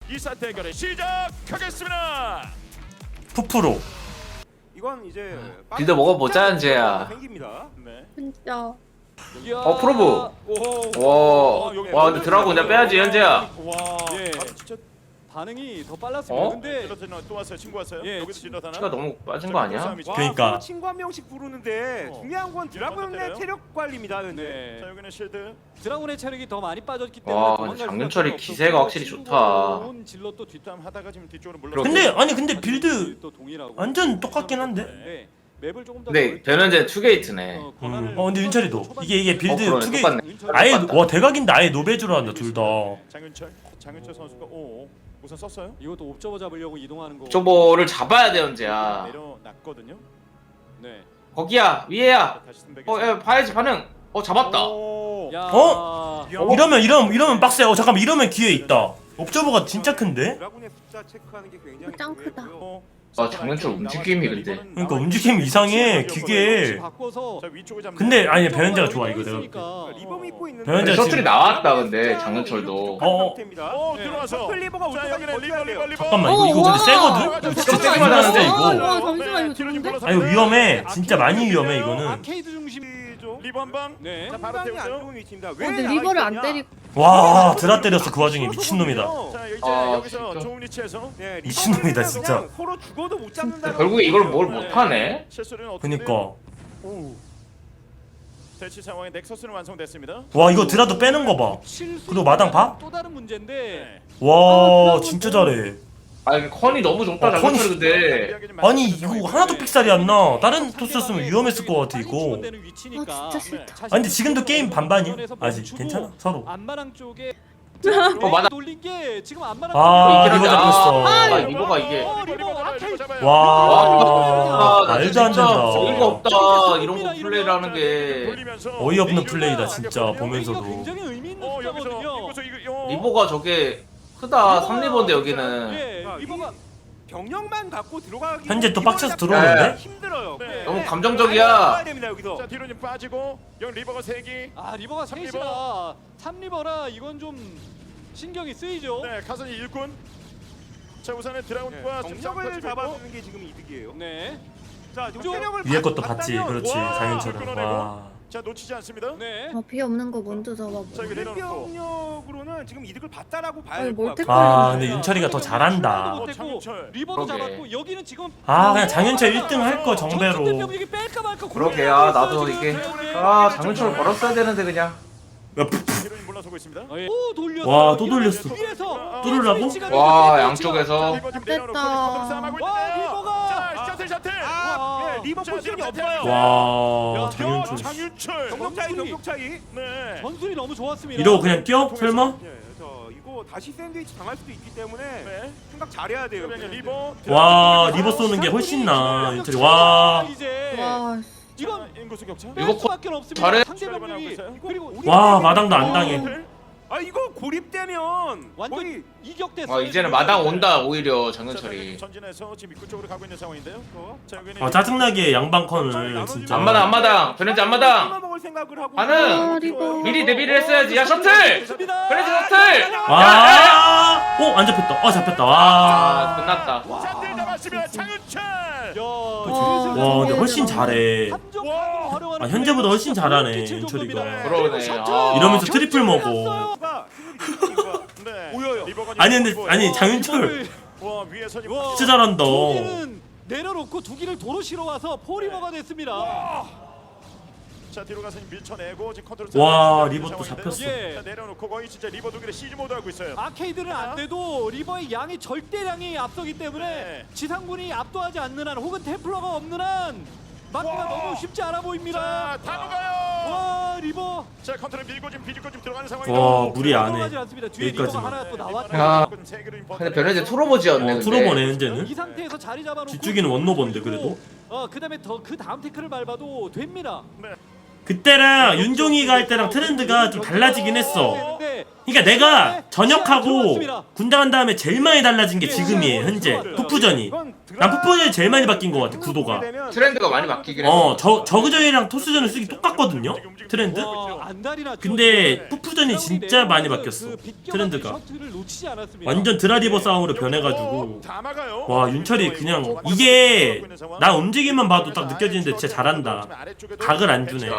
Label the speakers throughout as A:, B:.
A: 2사 대결을 시작하겠습니다.
B: 푸프로.
C: 이건 이제
D: 빌드 먹어보자, 현재야.
C: 생깁니다.
A: 네.
E: 진짜.
D: 프로브. 와 근데 드라고 그냥 빼야지, 현재야.
A: 와.
F: 예.
C: 진짜
F: 반응이 더 빨랐습니다.
D: 어?
F: 근데
A: 질럿 또 왔어요. 친구 왔어요.
F: 예,
A: 여기서 질럿 하나.
D: 키가 너무 빠진 거 아니야?
B: 그러니까.
C: 서로 친구 한 명씩 부르는데 중요한 건 드라곤의
A: 때려요?
C: 체력 관리입니다. 현재.
F: 네.
A: 자 여기는 실드.
F: 드라군의 체력이 더 많이 빠졌기 때문에
D: 와,
F: 도망갈
D: 장윤철이
F: 수밖에
D: 기세가
F: 없었고
D: 확실히
F: 친구가
D: 좋다.
F: 온 질럿도
A: 뒷담 하다가 지금 뒤쪽으로 물러.
D: 그러게.
B: 근데 빌드
F: 또 동일하고
B: 완전 똑같긴 한데.
F: 네. 맵을 조금 더
D: 근데 변현재 투게이트네.
B: 근데 윤철이도 이게 빌드
D: 그러네,
B: 투게
D: 똑같네.
B: 아예
D: 똑같다.
B: 와 대각인데 아예 노베주로 한다 둘 다.
A: 장윤철 선수가 우선 썼어요.
F: 이것도 옵저버 잡으려고 이동하는 거.
D: 저거를 잡아야 돼, 현재야.
A: 내려놨거든요.
F: 네.
D: 거기야, 위에야.
A: 다시
D: 야, 봐야지 반응. 잡았다.
F: 야.
B: 어? 이러면 빡세. 잠깐만 이러면 기회 있다. 옵저버가 진짜 큰데?
C: 드라곤의 숫자 체크하는 게 굉장히
E: 짱 크다.
C: 중요하고요.
D: 장윤철 움직임이 근데.
B: 그러니까 움직임 이상해 기계.
F: 바꿔서
B: 근데 아니 변현재가 좋아 이거 내가.
C: 리버 믿고 있는
B: 변현재
D: 셔틀이 나왔다, 근데 장윤철도.
A: 들어와서.
C: 셔틀 리버가 올 때까지 버텨야 돼요.
B: 잠깐만 이거 근데 세거든? 이거 진짜 세긴 하는데 이거.
E: 와 잠시만 이거 좋은데?
B: 아 이거 위험해. 진짜 많이 위험해 이거는.
F: 아케이드 중심.
A: 리버 한 방.
F: 네.
A: 자 바로
C: 상당히 안
A: 태우죠.
C: 좋은 위치입니다.
E: 근데 리버를 안 때리고.
B: 와 드라 때렸어 그 와중에 미친놈이다.
A: 자 이제
D: 아,
A: 여기서
D: 진짜.
A: 좋은 위치에서.
C: 네,
B: 미친놈이다,
C: 리버는
B: 진짜.
C: 그냥 서로 죽어도 못 잡는다.
D: 결국에 이걸 뭘 못하네.
A: 실수는 어떻게?
B: 그니까.
A: 대치 상황에 넥서스는 완성됐습니다.
B: 와 이거 드라도 빼는 거 봐. 그리고 마당 봐?
F: 또 다른 문제인데.
A: 네.
B: 와 진짜 잘해.
D: 이게 컨이 너무 좋다,
B: 컨이-
D: 장윤철이 근데.
B: 아니 이거 하나도 픽살이 안 나. 다른 토스였으면 위험했을 것 같아 이거.
E: 아 진짜 싫다.
B: 아 근데 지금도 게임 반반이야. 아직 괜찮아 서로.
F: 안마랑 쪽에
D: 맞아.
F: 돌린 게 지금 안마랑
B: 아
D: 이긴
B: 리버
D: 하자.
B: 잡혔어.
D: 아, 리버가 이게.
F: 리버 아케이드.
B: 와
D: 나
B: 말도 안
D: 진짜
B: 된다.
D: 어이가 없다, 이런 거 플레이를 하는 게.
B: 어이없는 플레이다 진짜 보면서도.
F: 굉장히 의미 있는
A: 여기서
F: 숫자거든요.
A: 여기서 이거
D: 리버가 저게 크다. 3리버인데 여기는.
F: 예,
C: 아,
F: 리버가
C: 병력만 갖고 들어가기
B: 현재 또 빡쳐서
C: 이거는
B: 들어오는데?
C: 힘들어요.
A: 네.
D: 너무
C: 아,
D: 감정적이야.
C: 나와야 됩니다 여기서.
A: 자 뒤로 좀 빠지고 여기 리버가 3기.
F: 아 리버가
A: 삼리버.
F: 셋이라 3리버라 이건 좀 신경이 쓰이죠.
A: 네 가선이 일꾼. 자 우선은 드라군과
C: 병력을 잡아주는 게 지금 이득이에요.
F: 네.
C: 자 지금
F: 좀
C: 체력을
B: 위에 것도 봤지.
C: 봤다면
B: 그렇지
A: 와,
B: 장윤철은.
A: 끊어내고.
B: 와.
A: 자 놓치지 않습니다.
F: 네.
E: 비 없는 거 먼저 잡아보.
A: 자 이거 내려놓고.
C: 병력으로는 지금 이득을 봤다라고 봐야
E: 아니,
C: 될 것
E: 멀티
C: 같고.
B: 아 근데 윤철이가 더 잘한다.
F: 못했고
A: 장윤철.
F: 리버도
D: 그러게.
F: 잡았고 여기는 지금
B: 아 그냥 장윤철 1등 할 거
F: 전투대
B: 정배로.
F: 병력이 뺄까 말까
D: 그러게,
F: 고민하고 있어요,
D: 나도
F: 지금.
D: 이게.
F: 네.
D: 장윤철 걸었어야 되는데, 그냥.
A: 뒤로는 물러서고 있습니다.
F: 오 돌렸어.
B: 와, 또 돌렸어.
F: 위에서
B: 뚫으려고?
D: 와, 양쪽에서.
A: 리버 지금
E: 됐다.
A: 내려놓고 컨트롤 싸움하고
F: 와,
A: 있는데요.
F: 리버가.
A: 자 셔틀.
C: 아, 네, 리버
A: 자,
C: 포지션이
A: 리버
C: 없어요.
B: 와
A: 야,
B: 장윤철.
A: 장윤철.
C: 병력 차이, 병력 차이.
A: 네.
F: 전술이 너무 좋았습니다.
B: 이러고 그냥 뛰어? 설마?
C: 예, 저 이거 다시 샌드위치 당할 수도 있기 때문에
A: 네.
C: 생각 잘해야 돼요.
A: 그러면 리버.
B: 와 리버 쏘는 게 훨씬 나 윤철이. 와.
F: 이제
E: 와
F: 이건
A: 인구수 격차.
D: 이거
F: 수밖에 없습니다.
D: 잘해.
F: 상대 병력이 그리고
B: 와 마당도 안 당해.
C: 아 이거 고립되면
F: 완전
C: 거의
F: 이격됐어요.
D: 이제는 마당 온다, 오히려 장윤철이.
A: 전진해서 지금 입구 쪽으로 가고 있는 상황인데요. 자 여기는
B: 아 짜증나게 양방컨을 진짜.
D: 앞마당. 변현재 앞마당.
C: 먹을 생각을 하고.
D: 반응!
E: 아, 리버.
D: 미리 대비를 했어야지. 야, 셔틀! 변현재 셔틀!
B: 와. 안 잡혔다. 잡혔다. 와.
D: 끝났다.
A: 샷들 잡았습니다. 장윤철.
B: 와 근데 훨씬 잘해. 아, 현재보다 훨씬 잘하네, 윤철이가.
D: 그러네. 아.
B: 이러면서 트리플 먹어.
A: 네.
C: 보여요.
A: 리버가
B: 아니 근데
A: 보여요.
B: 아니 장윤철
A: 와 위에서 지금
F: 와.
B: 진짜 잘한다.
F: 두 기는 내려놓고 두 기를 도로 실어 와서 포리버가 됐습니다.
A: 자 뒤로 가서 밀쳐내고 지금 컨트롤.
B: 와,
A: 잡는
B: 리버 또
A: 상황인데요.
B: 잡혔어.
F: 예.
A: 자 내려놓고 거의 진짜 리버 두 개를 시즈 모드 하고 있어요.
F: 아케이드는 안 돼도 리버의 양이 절대량이 앞서기 때문에
A: 네.
F: 지상군이 압도하지 않는 한 혹은 템플러가 없는 한 막기가
A: 와.
F: 너무 쉽지 않아 보입니다.
A: 자 다가가요.
F: 와 리버
A: 자 컨트롤 밀고 지금 비집고 지금 들어가는 상황이에요.
B: 와 무리 안 해.
F: 들어가지 않습니다. 뒤에 리버가
B: 여기까지만.
F: 하나 또 나왔죠.
D: 야. 근데 변현재 투로보지였네. 근데.
B: 투로보네 현재는.
F: 이 상태에서 자리 잡아놓고
B: 뒤쪽에는 원노버인데 그래도.
F: 그다음에 더 그 다음 태클을 밟아도 됩니다.
B: 그때랑 윤종이가 할 때랑 트렌드가 좀 달라지긴 했어.
F: 되는데
B: 그러니까 내가 전역하고
F: 들어왔습니다.
B: 군대 간 다음에 제일 많이 달라진 게
F: 예,
B: 지금이에요. 현재
F: 들어왔어요.
B: 푸푸전이.
C: 이건
B: 난 푸푸전이 제일 많이 바뀐 것 같아, 구도가.
D: 트렌드가 많이 바뀌긴 했어.
B: 저그전이랑 토스전을 쓰기 똑같거든요. 트렌드.
F: 와, 안달이나
B: 근데 푸푸전이 진짜 많이 바뀌었어. 트렌드가.
F: 셔틀을 놓치지 않았습니다.
B: 완전 드라리버 싸움으로 변해가지고.
A: 다 막아요.
B: 와, 윤철이 그냥 이게 나 움직임만 봐도 딱 느껴지는데 진짜 잘한다. 각을 안 주네.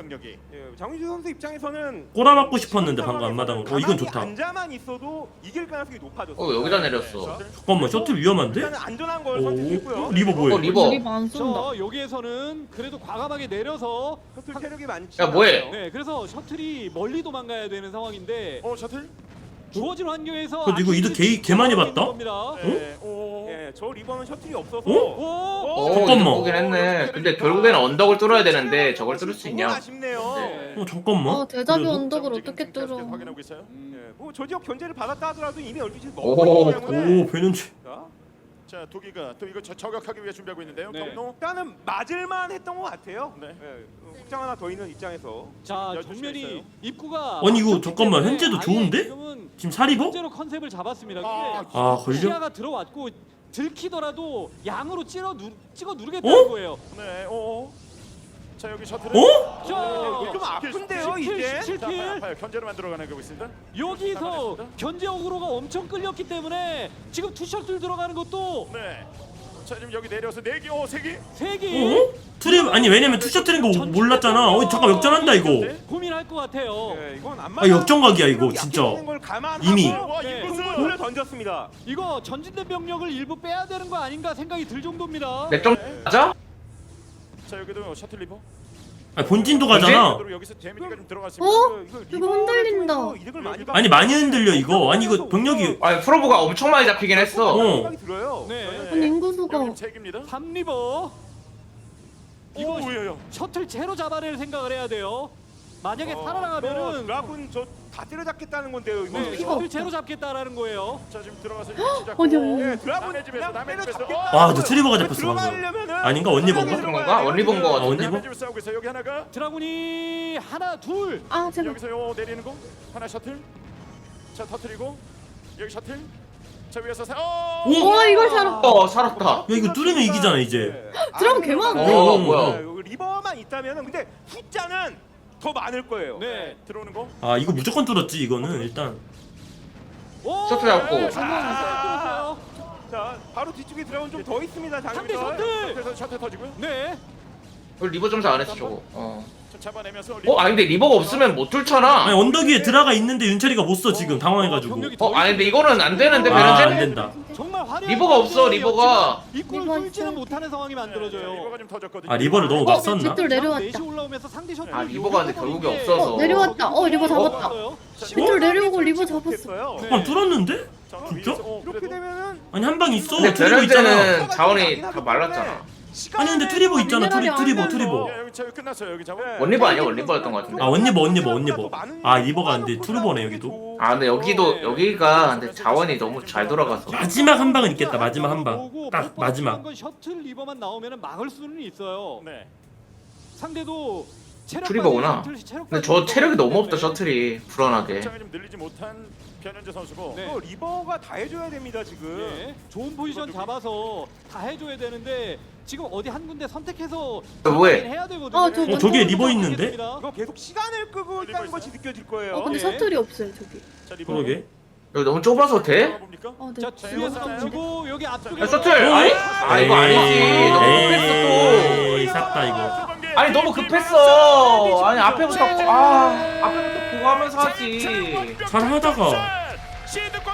C: 장윤주 선수 입장에서는
B: 꼬라박고 싶었는데 방금 앞마당으로. 이건 좋다.
C: 앉아만 있어도 이길 가능성이 높아졌어요.
D: 여기다 내렸어.
B: 잠깐만, 셔틀 위험한데?
C: 일단은 안전한 걸
B: 오,
C: 선택했고요.
B: 리버 뭐해?
D: 리버.
E: 리버 안 쏜다.
F: 저 여기에서는 그래도 과감하게 내려서
C: 셔틀 체력이 많지.
D: 야, 뭐해?
C: 않아요.
F: 네, 그래서 셔틀이 멀리 도망가야 되는 상황인데
A: 셔틀?
F: 주어진 환경에서
B: 근데 이거 이득 개 많이 봤다?
F: 겁니다.
A: 네.
C: 예, 저 리버는 셔틀이 없어서
F: 오!
B: 잠깐만.
D: 보긴 했네. 근데 결국에는 언덕을 뚫어야 되는데 저걸 뚫을 수
C: 너무
D: 있냐?
C: 아쉽네요.
F: 네.
B: 잠깐만.
E: 대자뷰
B: 그래도?
E: 언덕을 어떻게 뚫어?
A: 확인하고 있어요.
C: 예, 뭐저 지역 견제를 받았다 하더라도 이미 12시
D: 오,
C: 먹었기 때문에
B: 오, 변현재.
C: 자,
A: 자, 도기가 또 이거 저격하기 위해 준비하고 있는데요.
F: 네.
A: 경로.
C: 일단은 맞을만 했던 것 같아요.
A: 네.
C: 예, 확장 하나 더 있는 입장에서
F: 자,
A: 12시가
F: 정면이
A: 있어요.
F: 입구가
B: 아니, 이거
F: 막혔기
B: 잠깐만,
F: 때문에
B: 현재도
F: 아예
B: 좋은데?
F: 지금은
B: 지금 사리버?
F: 현재로 컨셉을 잡았습니다.
A: 아,
F: 근데
B: 아, 걸려?
F: 시야가 들어왔고 들키더라도 양으로 찍어 누르겠다는 거예요.
A: 네. 자, 여기 셔틀.
B: 어?
F: 자,
C: 좀 아픈데요,
F: 킬,
C: 이제.
F: 킬,
A: 자,
F: 킬.
A: 아파요. 견제를 만들어 가고 있습니다.
F: 여기서
A: 잡아냈습니다.
F: 견제 어그로가 엄청 끌렸기 때문에 지금 투셔틀 들어가는 것도
A: 네. 자, 지금 여기 내려서 4개, 3개.
F: 3개
B: 어? 트랩 아니 왜냐면 투셔틀인 거 몰랐잖아. 잠깐 역전한다 이거.
F: 고민할 것 같아요.
C: 예, 이건 안
B: 아, 역전각이야, 이거, 진짜.
C: 이미
B: 이미.
A: 와,
F: 네.
C: 승부를 던졌습니다.
F: 이거 전진된 병력을 일부 빼야 되는 거 아닌가 생각이 들 정도입니다.
D: 넥점 맞아?
A: 자, 여기도 셔틀 리버.
B: 아니, 본진도 가잖아.
A: 그리고 여기서 데미지가 좀 들어갔습니다.
E: 어?
C: 이거
E: 이거 흔들린다.
C: 이득을 많이
B: 아니 많이 흔들려 이거. 아니 이거 병력이
D: 아니 프로브가 엄청 많이 잡히긴 했어.
C: 생각이 들어요.
F: 네.
E: 아니 인구수가
A: 여기 책입니다.
F: 3리버 이거
A: 오예요.
F: 셔틀 제로 잡아낼 생각을 해야 돼요. 만약에
C: 뭐
F: 살아나가면은
C: 드라군 저 다 때려잡겠다는 건데요. 이거.
F: 네, 셔틀 제로 잡겠다라는 거예요.
A: 자, 지금 들어가서 시작.
E: 아니, 아니.
C: 네, 드라군
A: 남의 집에서 남의 집에서.
B: 와, 근데 트리버가 잡혔어, 방금.
C: 들어가려면은
B: 아닌가? 원리버인가?
D: 그런 건가? 원리버인 거 같은데.
B: 원리버?
A: 남의 집에서 싸우고 있어요. 여기 하나가.
F: 드라군이 하나 둘
E: 아 제발.
A: 여기서 요 내리는 거. 하나 셔틀. 자, 터뜨리고. 여기 셔틀. 자, 위에서
E: 와 이걸 살아.
D: 살았다.
B: 야 이거 뚫으면 이기잖아 이제.
E: 드라군 개 많은데?
D: 뭐야?
C: 리버만 있다면은 근데 숫자는 더 많을 거예요.
F: 네.
A: 들어오는 거.
B: 아 이거 무조건 뚫었지 이거는 일단.
F: 오!
D: 셔틀 잡고.
F: 뚫었어요.
C: 자, 바로 뒤쪽에 드라군 좀 더 있습니다.
F: 상대
C: 장윤철.
F: 셔틀!
A: 그래서 셔틀 터지고요.
F: 네.
D: 리버 점수 안 했어 저거.
A: 좀 잡아내면서.
D: 아니 근데 리버가 없으면 못 뚫잖아.
B: 아니 언덕 위에 드라가 있는데 윤철이가 못 써 지금 당황해가지고.
F: 병력이 더
D: 아니 근데 이거는 안 되는데
B: 아, 안
D: 베렌제?
B: 된다.
F: 정말 화려한
D: 리버가 없어, 리버가.
F: 입구를
E: 리버
F: 뚫지는
E: 있어야
F: 못하는 상황이 만들어져요.
A: 리버가 좀 터졌거든요.
B: 아 리버를 너무 막 썼나?
E: 뒷돌 내려왔다.
F: 넷이 올라오면서 상대 셔틀
D: 아, 리버가 근데 결국에 없어서.
E: 내려왔다. 리버 잡았다. 뒷돌 내려오고 리버 잡았어.
C: 됐어요.
F: 네.
B: 아 뚫었는데? 진짜?
C: 이렇게 되면은
B: 아니 한 방 있어.
D: 근데
B: 트리버 있잖아.
D: 베렌제는 자원이 다 말랐잖아.
B: 아니 근데 트리버 있잖아.
E: 미네랄이
B: 트리버
E: 안
B: 트리버.
A: 야, 여기 저 끝났어요. 여기 잡아.
D: 원리버 아니야? 원리버였던 것 같은데.
B: 아 원리버. 아 리버가 근데 투르버네 여기도.
D: 아 근데 여기가 근데 자원이 너무 잘 돌아가서.
B: 마지막 한 방은 있겠다. 마지막 한 방.
F: 보고
B: 딱
F: 못
B: 마지막.
F: 건 셔틀 리버만 나오면 막을 수는 있어요.
A: 네.
F: 상대도 체력
D: 트리버구나.
F: 빠진 셔틀, 체력
D: 근데
F: 빠진
D: 저 체력이 너무 없다
F: 때문에.
D: 셔틀이 불안하게.
A: 장을 좀 늘리지 못한 변현재 선수고.
F: 네.
C: 이거 리버가 다 해줘야 됩니다 지금.
F: 예, 좋은 포지션 잡아서 다 해줘야 되는데 지금 어디 한 군데 선택해서
D: 뭐해?
F: 해야 되거든요.
E: 아, 저거
B: 저기에 리버 있는데?
C: 이거 계속 시간을 끄고 있다는
A: 리버
C: 것이
A: 있어요?
C: 느껴질 거예요.
E: 근데
F: 예.
E: 셔틀이 없어요 저기.
A: 자, 리버.
B: 그러게.
D: 여기 너무 좁아서 돼?
A: 봅니까?
E: 아 네.
F: 자 뒤에서 던지고 여기 앞쪽에
D: 야 셔틀! 아니 이거 아니지. 너무 급했어 또.
B: 에이 싹다 이거.
D: 아니 너무 급했어. 아니 앞에부터 앞에부터 보고 하면서 하지.
B: 잘하다가.
A: 시드권